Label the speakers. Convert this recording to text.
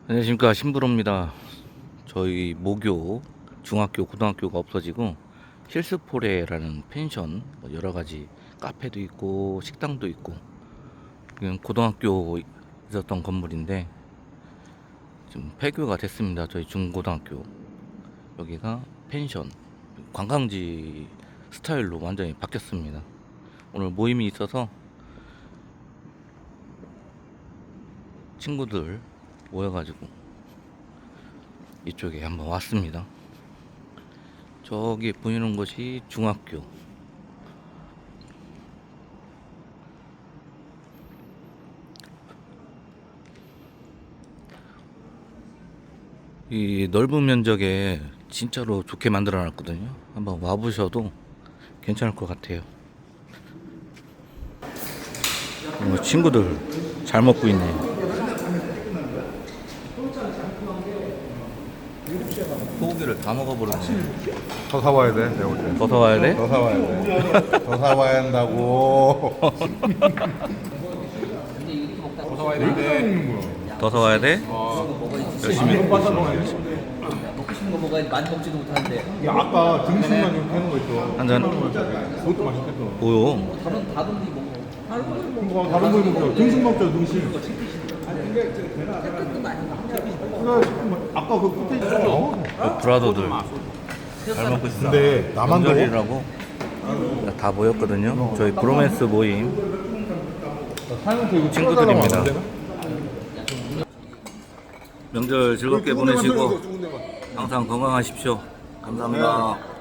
Speaker 1: 안녕하십니까, 신부로입니다. 저희 모교 중학교 고등학교가 없어지고 힐스포레라는 펜션, 뭐 여러 가지 카페도 있고 식당도 있고, 이건 고등학교 있었던 건물인데 지금 폐교가 됐습니다. 저희 중고등학교 여기가 펜션 관광지 스타일로 완전히 바뀌었습니다. 오늘 모임이 있어서 친구들 모여가지고 이쪽에 한번 왔습니다. 저기 보이는 곳이 중학교. 이 넓은 면적에 진짜로 좋게 만들어 놨거든요. 한번 와보셔도 괜찮을 것 같아요. 친구들 잘 먹고 있네요. 소고기를 다 먹어버렸네.
Speaker 2: 더 사와야 돼, 내가 볼 때.
Speaker 1: 더 사와야 돼?
Speaker 2: 더 사와야 돼. 더 사와야 한다고. 더 사와야 되는데.
Speaker 1: 더 사와야 돼? 열심히 먹고 있어.
Speaker 3: 먹고 싶은 거 먹어야지. 많이 먹지도 못하는데.
Speaker 2: 야, 아까 등심만 좀 해놓은 거 있어.
Speaker 1: 한 잔.
Speaker 2: 그것도 맛있겠다.
Speaker 1: 뭐요?
Speaker 3: 다른 데 먹어.
Speaker 2: 그거 다른 거 먹자. 등심 먹자, 등심. 그래, 아까 그 끝에 있어.
Speaker 1: 브라더들 잘 먹고 있어.
Speaker 2: 근데 나만 더워?
Speaker 1: 명절이라고 다 모였거든요. 저희 브로맨스 모임 친구들입니다. 명절 즐겁게 보내시고 항상 건강하십시오. 감사합니다.